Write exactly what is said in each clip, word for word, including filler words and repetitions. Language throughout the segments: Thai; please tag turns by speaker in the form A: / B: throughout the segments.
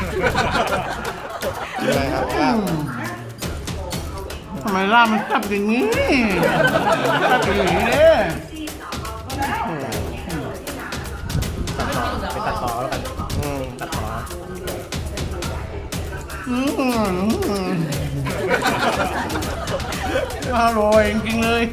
A: กินอะไรครับลาบ
B: ทำไมล่ามันแซ่บอย่างนี้แซ่บอย่างนี้เนี่ย
C: ไปตัดต่อแล้วกัน
A: อืม
C: ตัดต่อ
B: อืมอร่อยจริงๆเลย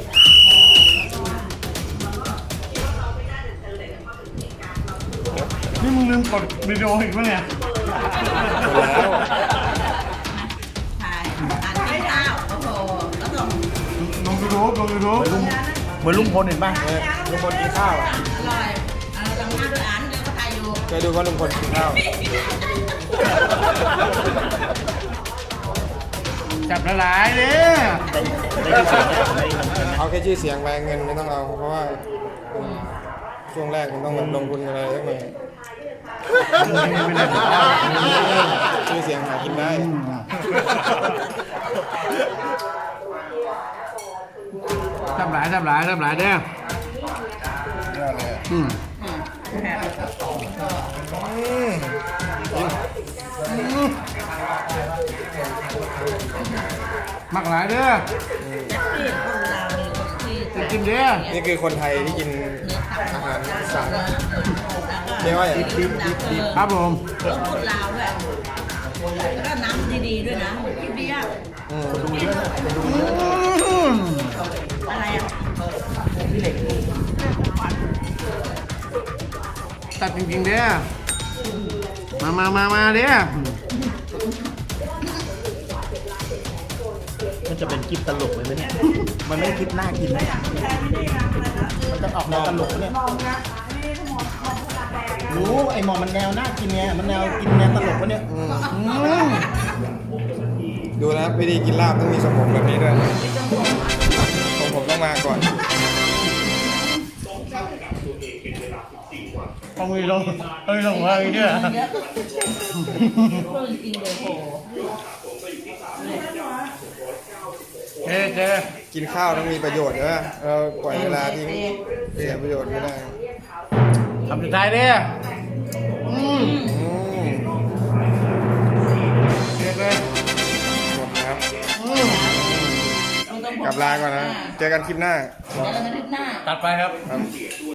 B: นี่มึงลืมกดวิดีโออีกปะเนี่ย
A: หมดแล้ว
D: ใช่ทานข้าวโอ้โหแล้วส่ง
B: ลงยูทูบลงยูทูบ
C: เหมือนลุงพลเห็นป่ะลุงพลกินข้าวอ่ะ
D: อร่อยเอาลำหน้าด้วยอันเดี๋ยวก็ทายอยู่
A: เคยดูว่าลุงพลกินข้าว
B: จับละลายเนี่ย
C: ได้ได้ที่สุดได้เงินเดือนนะ
A: เอาแค่ชื่อเสียงไปเงินไม่ต้องเอาเพราะว่าอืมช่วงแรกมันต้องลงทุนอะไรสักหน่อยชื่อเสียงหากินได้
B: จับหลายจับหลายจับหลายเด้อย
A: อดเลย
B: อืม
A: อืม
B: มักหลายเด้อ
D: ที่คนเรามีคนที่
B: จะกินเด้อ
A: นี่คือคนไทยที่กินอาหารอีสานเรียกว่าอย่าง
D: ดิบดิบดิบ
B: ครับผม
D: ต้องพูดลาวด้วยแล้วก็น้ำดีๆด้วยนะกินเบียร์
A: อืม
C: ดูเยอะนะคนดู
B: อืม
D: อะไรอ่ะ
C: พี่เหล็ก
B: ตัดจริงๆเด้อมามามามาเด้อ
C: มันจะเป็นคลิปตลกเลยไหมเนี่ยมันไม่คลิปน่ากินนะมันจะออกแนวตลกเนี่ยรู้ไอ้หมอมันแนวน่ากินไงมันแนวกินแนวตลกวะเนี่ย
A: อืม
B: อืม
A: ดูนะวิธีกินลาบต้องมีทรงผมแบบนี้ด้วยทรงผมต้องมาก่อน
B: ต้องมีลงต้องมีลงว่าอีกเนี่ย
D: เยอะเพิ่งกินเลยโอ้โห
B: เจ๊เจ๊
A: กินข้าวต้องมีประโยชน์นะเราปล่อยเวลาทิ้งเสียประโยชน์ไม่ได้
B: ทำสุดท้ายเด้ออืม
A: อืม
B: เจ๊เลย
A: หมดครับ
B: อืม
D: ต้องต้อง
A: กลับลาก่อนนะ เจอกันคลิปหน้า
D: เจอกันอาทิตย์หน้า
B: ตัดไปครับ
A: ครับ